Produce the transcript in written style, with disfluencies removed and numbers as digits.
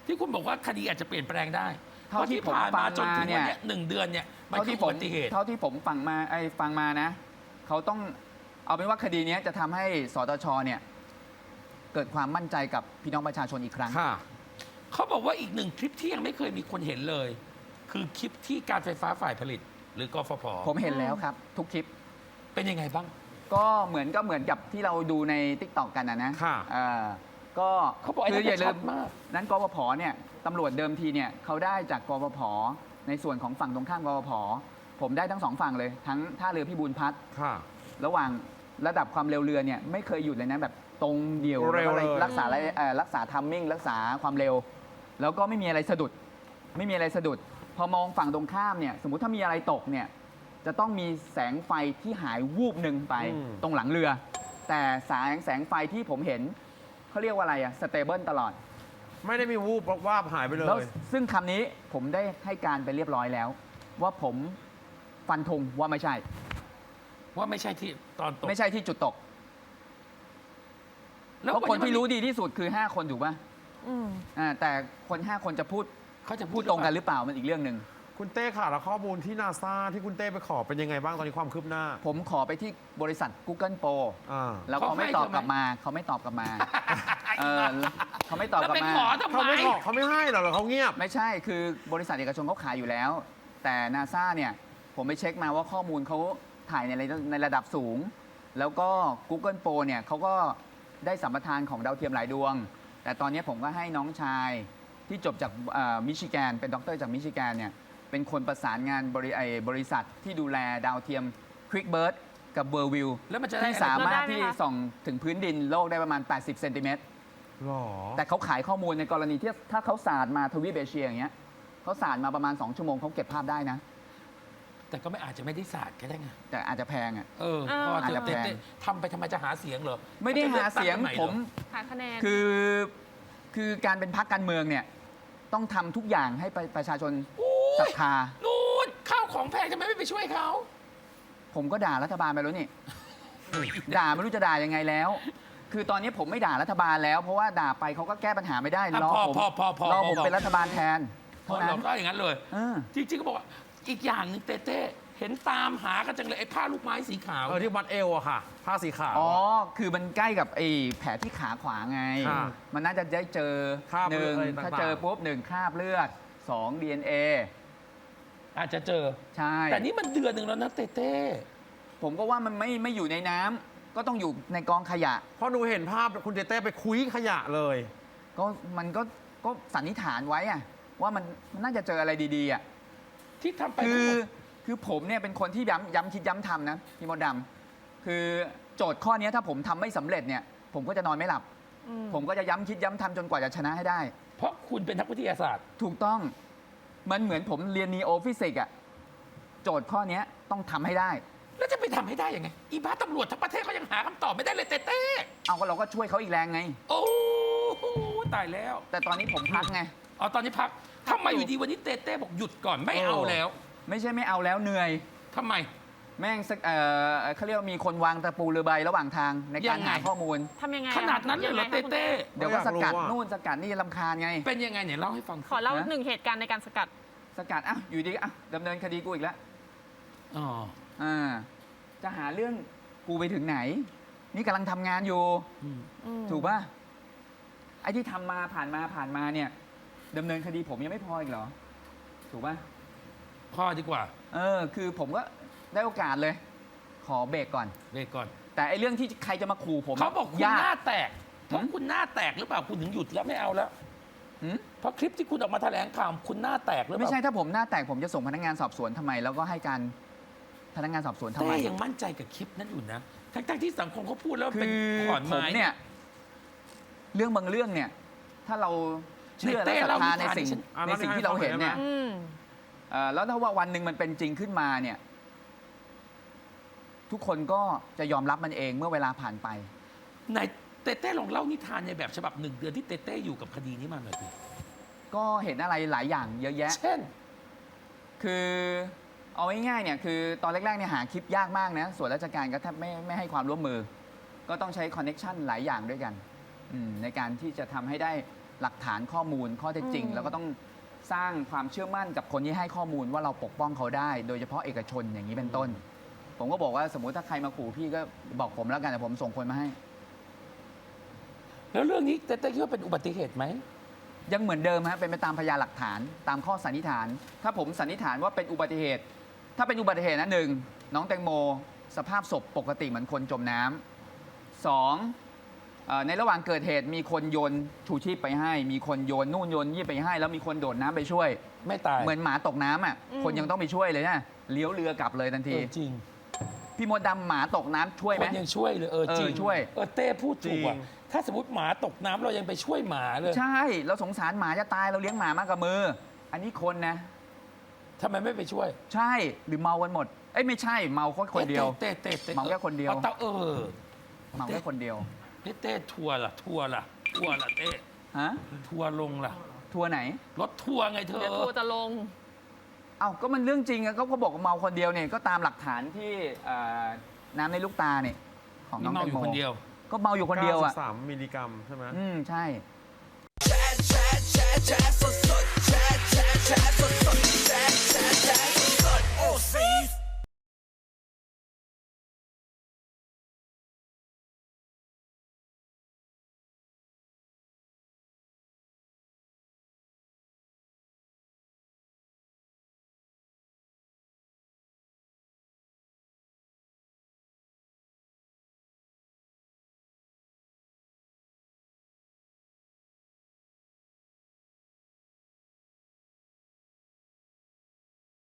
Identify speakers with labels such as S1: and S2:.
S1: ที่คุณบอกว่าคดีอาจจะเปลี่ยนแปลงได้เพ
S2: เท่า
S1: ราะ
S2: ที่
S1: ที่
S2: ผม
S1: ผ่าน
S2: ฟั
S1: มาง จนถึง
S2: มาเนี่
S1: วัน
S2: ย
S1: เนี้ย1 เดือนเนี่ยมัน
S2: เท่า
S1: คือ
S2: ที่
S1: อุ
S2: ผม
S1: บัติเหตุ
S2: เท่าที่ผมฟังมานะเขาต้องเอาเป็นว่าคดีนี้จะทำให้สตชเนี่ยเกิดความมั่นใจกับพี่น้องประชาชนอีกครั้ง
S3: ค่ะ
S1: เขาบอกว่าอีกหนึ่งคลิปที่ยังไม่เคยมีคนเห็นเลย คือคลิปที่การไฟฟ้าฝ่ายผลิต หรือกฟผ
S2: ผมเห็นแล้วครับ ทุกคลิป
S1: เป็นยังไงบ้าง
S2: ก็เหมือนกับที่เราดูใน t ิ k t o k กันนะ
S3: ค่ะ
S2: ก็
S1: เขาบอกไอ้
S2: คื
S1: นั่น
S2: อย่าลื
S1: ชั
S2: ม
S1: ดมาก
S2: นั้นกฟผเนี่ยตำรวจเดิมทีเนี่ยเขาได้จากกฟผในส่วนของฝั่งตรงข้ามกฟผผมได้ทั้งสองฝั่งเลย ทั้งท่าเรือพิบูลพัฒน์
S3: ค่ะ
S2: ระหว่างระดับความเร็วเรือเนี่ยไม่เคยหยุดเลยนะแบบตรงเดี่ยว
S3: เร็ว
S2: แล้วก็
S3: เลย
S2: รักษาทัมมิ่งรักษาความเร็ว แล้วก็ไม่มีอะไรสะดุด ไม่มีอะไรสะดุด พอมองฝั่งตรงข้ามเนี่ยสมมุติถ้ามีอะไรตกเนี่ยจะต้องมีแสงไฟที่หายวูบหนึ่งไปตรงหลังเรือ แต่แสงไฟที่ผมเห็นเขาเรียกว่าอะไรอะสเตเบิลตลอด
S3: ไม่ได้มีวูบว่าบหายไปเล
S2: แล้ว
S3: ย
S2: ซึ่งคำนี้ผมได้ให้การไปเรียบร้อยแล้ว ว่าผมฟันธงว่าไม่ใช่
S1: ว่าไม่ใช่ที่ตอนตก
S2: ไม่ใช่ที่จุดตก เพราะคนที่รู้ดีที่สุดคือ 5 คนถูกป่ะ
S4: อืม
S2: แต่คน 5 คนจะพูด
S1: เขาจะ
S2: พูดตรงกันหรือเปล่ามันอีกเรื่องหนึ่ง
S3: คุณเต้ค่ะแล้วข้อมูลที่นาซาที่คุณเต้ไปขอเป็นยังไงบ้างตอนนี้ความคืบหน้า
S2: ผมขอไปที่บริษัท Google Pro
S3: อ่า
S2: แล้วเขาไม่ตอบกลับมาเขาไม่ตอบกลับมาเขาไม่ตอบ
S1: แล้ว
S2: กลับ
S1: ไป
S2: มา
S1: ขอทำ
S3: เขา
S1: ไม
S3: ไม่ขอเขาไม่ให้เหรอเขาเงียบ
S2: ไม่ใช่คือบริษัทเอกชนเขาขายอยู่แล้ว แต่นาซาเนี่ยผมไปเช็คมาว่าข้อมูลเขาถ่ายในระดับสูง แล้วก็ Google Pro เนี่ยเขาก็ได้สัมปทานของดาวเทียมหลายดวง แต่ตอนนี้ผมก็ให้น้องชายที่จบจากมิชิแกนเป็นด็อกเตอร์จากมิชิแกนเนี่ยเป็นคนประสานงานบริษัทที่ดูแลดาวเทียม QuickBird กับ Worldview
S1: แล้วมันจะได้
S2: ที่สามารถ
S4: แล้วได้ไหม
S2: ที่
S4: คะ
S2: ส่องถึงพื้นดินโลกได้ประมาณ 80 เซนติเมตร
S3: หรอ
S2: แต่เขาขายข้อมูลในกรณีที่ถ้าเขาสาดมาทวีปเอเชียอย่างเงี้ยเขาสาดมาประมาณ 2 ชั่วโมงเขาเก็บภาพได้นะ
S1: แต่ก็ไม่อาจจะไม่ได้ศาสตร์ก็ได้ไง
S2: แต่อาจจะแพงอ่ะ
S1: เออ
S4: เออ
S1: พอ
S2: อาจ
S1: เธ
S2: จะ
S1: อ
S2: แพง
S1: ทำไปทำไมจะหาเสียงเหรอ
S2: ไม่ได้หาเสียง
S1: จะลือกตั้
S2: ผม
S1: ใหเหรอ
S4: หาคะแนน
S2: คือการเป็นพรรคการเมืองเนี่ยต้องทำทุกอย่างให้ประชาชน
S1: โอ้
S2: ศรั
S1: ย
S2: ทธา
S1: นู่นข้าวของแพงทำไมไม่ไปช่วยเขา
S2: ผมก็ด่ารัฐบาลไปแล้วนี่ ด่าไม่รู้จะด่ายังไงแล้ว คือตอนนี้ผมไม่ด่ารัฐบาลแล้ว เพราะว่าด่าไปเขาก็แก้ปัญหาไม่ได้
S1: อ่ะ
S2: รอ
S1: พอ
S2: ผม
S1: พอ
S2: รอผมเป็นรัฐบาลแทนเท่านั้
S1: เรา
S2: น
S1: ก็อย่างนั้นเลย
S2: เออ
S1: จริงๆก็บอกว่าอีกอย่างหนึ่งเต้เห็นตามหากันจังเลยไอ้ผ้าลูกไม้สีขาว
S3: ที่วัดเอวอะค่ะ ผ้าสีขาว
S2: อ๋อ คือมันใกล้กับไอ้แผลที่ขาขวาไง
S3: ค่ะ
S2: มันน่าจะได้เจอ
S3: คราบ
S2: หนึ่ง
S3: เลือดอะไรต่างๆ
S2: ถ้าเจอปุ๊บหนึ่งคราบเลือดสอง DNA
S1: อาจจะเจอ
S2: ใช่
S1: แต่นี่มันเดือนหนึ่งแล้วนะเต้
S2: ผมก็ว่ามันไม่อยู่ในน้ำก็ต้องอยู่ในกองขยะ
S3: เพราะหนูเห็นภาพคุณเต้ไปคุยขยะเลย
S2: ก็มันก็สันนิษฐานไว้อะว่ามันน่าจะเจออะไรดีๆอะ
S1: ที่ทำไป
S2: คือผมเนี่ยเป็นคนที่ย้ำคิดย้ำทำนะพี่มดดำคือโจทย์ข้อนี้ถ้าผมทำไม่สำเร็จเนี่ยผมก็จะนอนไม่หลับ
S4: อืม
S2: ผมก็จะย้ำคิดย้ำทำจนกว่าจะชนะให้ได้
S1: เพราะคุณเป็นนักวิทยาศาสตร์
S2: ถูกต้องมันเหมือนผมเรียนนีโอฟิสิกส์อะโจทย์ข้อนี้ต้องทำให้ได้
S1: แล้วจะไปทำให้ได้ยังไง อีบ้าตำรวจทั้งประเทศเขายังหาคำตอบไม่ได้เลยเต้
S2: เอาก็เราก็ช่วยเขาอีกแรงไง
S1: โอ้โหตายแล้ว
S2: แต่ตอนนี้ผมพักไง
S1: อ๋อตอนนี้พักทำไมอยู่ดีวันนี้เต้บอกหยุดก่อนไม่เอาแล้ว
S2: ไม่ใช่ไม่เอาแล้วเหนื่อย
S1: ทำไม
S2: แม่งสักเขาเรียกว่ามีคนวางตะปูเรือใบระหว่างทางในการ
S1: ยังไง
S2: หาข้อมูล
S4: ทำยังไง
S1: ขนาดนั้นเลยเหรอ
S4: ยังไงคะ
S1: เต้
S2: เดี๋ยวก็สกัด
S3: อยากรู้อะ
S2: นู่นสกัดนี่ลำคาญไง
S1: เป็นยังไงเนี่ยเล่าให้ฟัง
S4: ขอเล่า
S2: นะ
S4: หนึ่งเหตุการณ์ในการสกัด
S2: สกัดอ่ะอยู่ดีอ่ะดำเนินคดีกูอีกแล้ว
S1: อ๋อ
S2: อ่าจะหาเรื่องกูไปถึงไหน นี่กำลังทำงานอยู่
S1: อืม
S2: ถูกป่ะไอ้ที่ทำมาผ่านมาเนี่ยดำเนินคดีผมยังไม่พออีกเหรอ ถูกป่ะ
S1: พ่อดีกว่า
S2: คือผมก็ได้โอกาสเลย ขอเบรกก่อน
S1: เบรกก่อน
S2: แต่ไอ้เรื่องที่ใครจะมาขู่ผม
S1: เขาบอกคุณ
S2: ยา
S1: หน้าแตกเพราะคุณหน้าแตกหรือเปล่าคุณถึงหยุดแล้วไม่เอาแล้ว
S2: หืม
S1: เพราะคลิปที่คุณออกมาแถลงข่าวคุณหน้าแตกหรือเป
S2: ไม่
S1: ล่า
S2: ใช่ถ้าผมหน้าแตกผมจะส่งพนักงานสอบสวนทำไม แล้วก็ให้การพนักงานสอบสวนทำไม
S1: เต้ยังมั่นใจกับคลิปนั้นอยู่นะ ทั้งที่สังคมเขาพูดแล้ว
S2: คื
S1: เป็น
S2: อ
S1: ขอน
S2: ผม
S1: ไม้
S2: เนี่ย เรื่องบางเรื่องเนี่ย ถ้าเราเชื่อและศรัทธาในสิ่ง
S3: อ่ะ
S2: ในสิ่งที่เราเห็นเนี่ย
S4: อืม
S2: แล้วถ้าว่าวันหนึ่งมันเป็นจริงขึ้นมาเนี่ย ทุกคนก็จะยอมรับมันเองเมื่อเวลาผ่านไป
S1: ไหนเต้ลองเล่านิทานในแบบฉบับ1 เดือนที่เต้อยู่กับคดีนี้มาหน่อยสิ
S2: ก็เห็นอะไรหลายอย่างเยอะแยะ
S1: เช่น
S2: คือเอาง่ายๆเนี่ยคือตอนแรกๆเนี่ยหาคลิปยากมากนะส่วนราชการก็แทบไม่ให้ความร่วมมือ ก็ต้องใช้คอนเน็ชันหลายอย่างด้วยกันในการที่จะทำให้ได้หลักฐานข้อมูลข้อเท็จจริง แล้วก็ต้องสร้างความเชื่อมั่นกับคนที่ให้ข้อมูลว่าเราปกป้องเขาได้ โดยเฉพาะเอกชนอย่างนี้เป็นต้น ผมก็บอกว่าสมมุติถ้าใครมาขู่พี่ก็บอกผมแล้วกันแต่ผมส่งคนมาให้
S1: แล้วเรื่องนี้เต้คิดว่าเป็นอุบัติเหตุไหม
S2: ยังเหมือนเดิมฮะเป็นไปตามพยานหลักฐานตามข้อสันนิษฐาน ถ้าผมสันนิษฐานว่าเป็นอุบัติเหตุ ถ้าเป็นอุบัติเหตุนะหนึ่งน้องแตงโมสภาพศพปกติเหมือนคนจมน้ำสองในระหว่างเกิดเหตุมีคนโยนชูชีพไปให้ มีคนโยนนู่นโยนนี่ไปให้ แล้วมีคนโดดน้ำไปช่วย
S1: ไม่ตาย
S2: เหมือนหมาตกน้ำอ่ะ
S4: อืม
S2: คนยังต้องไปช่วยเลยนะเลี้ยวเรือกลับเลยทันที
S1: จริง
S2: พี่มดดำหมาตกน้ำช่วย
S1: ค
S2: ไหม
S1: นยังช่วยเลยจริง
S2: ช่วย
S1: เต้พูดถูกอ่ะ
S3: จริง
S1: ถ้าสมมติหมาตกน้ำเรายังไปช่วยหมาเลย
S2: ใช่เราสงสารหมาจะตายเราเลี้ยงหมามากกับมือ อันนี้คนนะ
S1: ทำไมไม่ไปช่วย
S2: ใช่หรือเมากันหมดเอ้ยไม่ใช่เมาคนเดียว
S1: เต้
S2: เมาแค่คนเดียว
S1: อาเต้า
S2: เมาแค่คนเดียว
S1: เต้ทัวร์ล่ะเต้
S2: ฮะ
S1: ทัวร์ลงล่ะ
S2: ทัวร์ไหน
S1: รถทัวร์ไงเธอ
S4: เดี๋ยวทัวร์จะลง
S2: เอ้าก็มันเรื่องจริงอะก็บอกว่าเมาคนเดียวเนี่ยก็ตามหลักฐานที่น้ำในลูกตาเนี่ยของน้
S1: นี่
S2: อง
S1: เมา
S2: แต
S1: อง ยู่
S2: โม
S1: คนเดียว
S2: ก็เมาอยู่คนเดียวอ่ะ
S3: 93 มิลลิกรัมใช่ไหม
S2: ใช่
S5: โอ้ซี